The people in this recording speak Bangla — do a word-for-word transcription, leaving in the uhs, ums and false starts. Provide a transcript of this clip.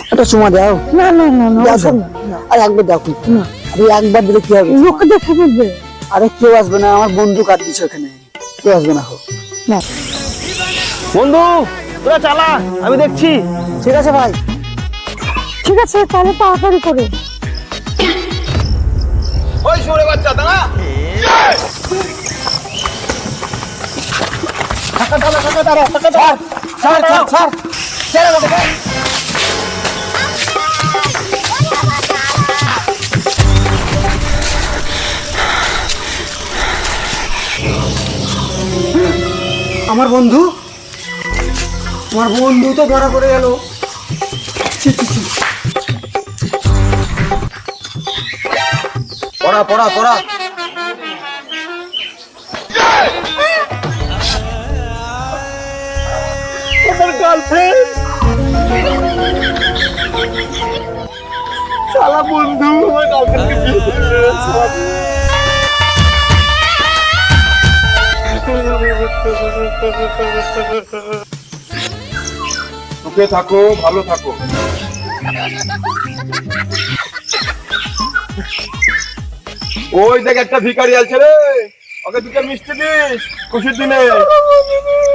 একটা সময় দাও। না না না না দাও ওসব না। না। আর একবার দেখো না আরে একবার দিলে কি হবে? লোকে দেখে ফেলবে। আরে কেউ আসবে না, আমার বন্ধু কাট দিচ্ছে ওখানে, কেউ আসবে না। হোক না বন্ধু তোরা চালা, আমি দেখছি। ঠিক আছে ভাই। ঠিক আছে তাহলে তাড়াতাড়ি করে। ওই শুনে বাচ্চা দাঁড়া। টাকা দাও, টাকা দাও, টাকা দাও। ছাড় ছাড় ছাড় ছেড়ে আমাকে দে। আমার বন্ধু আমার বন্ধু তো ধরা পড়ে গেল। ছি, ছি, ছি। পড়া পড়া পড়া। আমার গার্লফ্রেন্ড শালা বন্ধু আমার গার্লফ্রেন্ডকে বিয়ে করে দিয়েছে। সুখে থাকো, ভালো থাকো। ওই দেখ একটা ভিখারি আছে রে, ওকে দুটো মিষ্টি দিস খুশির দিনে।